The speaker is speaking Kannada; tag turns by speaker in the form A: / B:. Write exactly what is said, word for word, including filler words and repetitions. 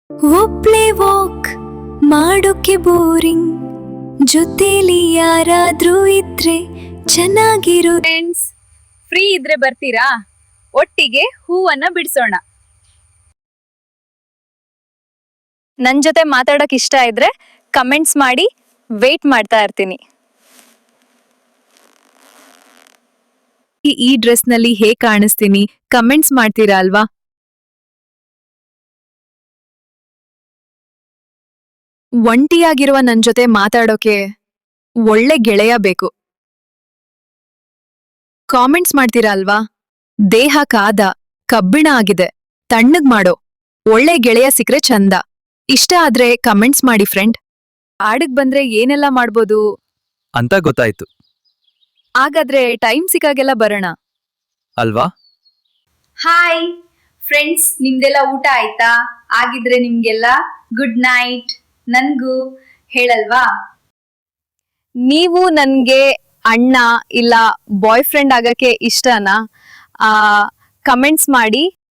A: ಒಬ್ಳೆ ವಾಕ್ ಮಾಡೋಕೆ ಬೋರಿಂಗ್, ಜೊತೆಲಿ ಯಾರಾದ್ರೂ ಇದ್ರೆ ಚೆನ್ನಾಗಿರೋ.
B: ಫ್ರೆಂಡ್ಸ್, ಫ್ರೀ ಇದ್ರೆ ಬರ್ತೀರಾ? ಒಟ್ಟಿಗೆ ಹೂವನ್ನ ಬಿಡಿಸೋಣ. ನನ್ ಜೊತೆ ಮಾತಾಡಕ್ ಇಷ್ಟ ಇದ್ರೆ ಕಮೆಂಟ್ಸ್ ಮಾಡಿ, ವೇಟ್ ಮಾಡ್ತಾ ಇರ್ತೀನಿ. ಈ ಡ್ರೆಸ್ ನಲ್ಲಿ ಹೇಗ್ ಕಾಣಿಸ್ತೀನಿ ಕಮೆಂಟ್ಸ್ ಮಾಡ್ತೀರಾ ಅಲ್ವಾ? ಒಂಟಿಯಾಗಿರುವ ನನ್ ಜೊತೆ ಮಾತಾಡೋಕೆ ಒಳ್ಳೆ ಗೆಳೆಯ ಬೇಕು. ಕಾಮೆಂಟ್ಸ್ ಮಾಡ್ತೀರಾ ಅಲ್ವಾ? ದೇಹ ಕಾದ ಕಬ್ಬಿಣ ಆಗಿದೆ, ತಣ್ಣಗ್ ಮಾಡೋ ಒಳ್ಳೆ ಗೆಳೆಯ ಸಿಕ್ರೆ ಚಂದ. ಇಷ್ಟ ಆದ್ರೆ ಕಮೆಂಟ್ಸ್ ಮಾಡಿ ಫ್ರೆಂಡ್. ಆಡಕ್ ಬಂದ್ರೆ ಏನೆಲ್ಲ ಮಾಡ್ಬೋದು
C: ಅಂತ ಗೊತ್ತಾಯ್ತು
B: ಹಾಗಾದ್ರೆ ಟೈಮ್ ಸಿಕ್ಕಾಗೆಲ್ಲ ಬರೋಣ
C: ಅಲ್ವಾ?
B: ಹಾಯ್ ಫ್ರೆಂಡ್ಸ್, ನಿಮ್ದೆಲ್ಲ ಊಟ ಆಯ್ತಾ? ಆಗಿದ್ರೆ ನಿಮ್ಗೆಲ್ಲ ಗುಡ್ ನೈಟ್. ನನ್ಗೂ ಹೇಳಲ್ವಾ? ನೀವು ನನ್ಗೆ ಅಣ್ಣ ಇಲ್ಲ ಬಾಯ್ ಫ್ರೆಂಡ್ ಆಗಕ್ಕೆ ಇಷ್ಟನಾ? ಆ ಕಮೆಂಟ್ಸ್ ಮಾಡಿ.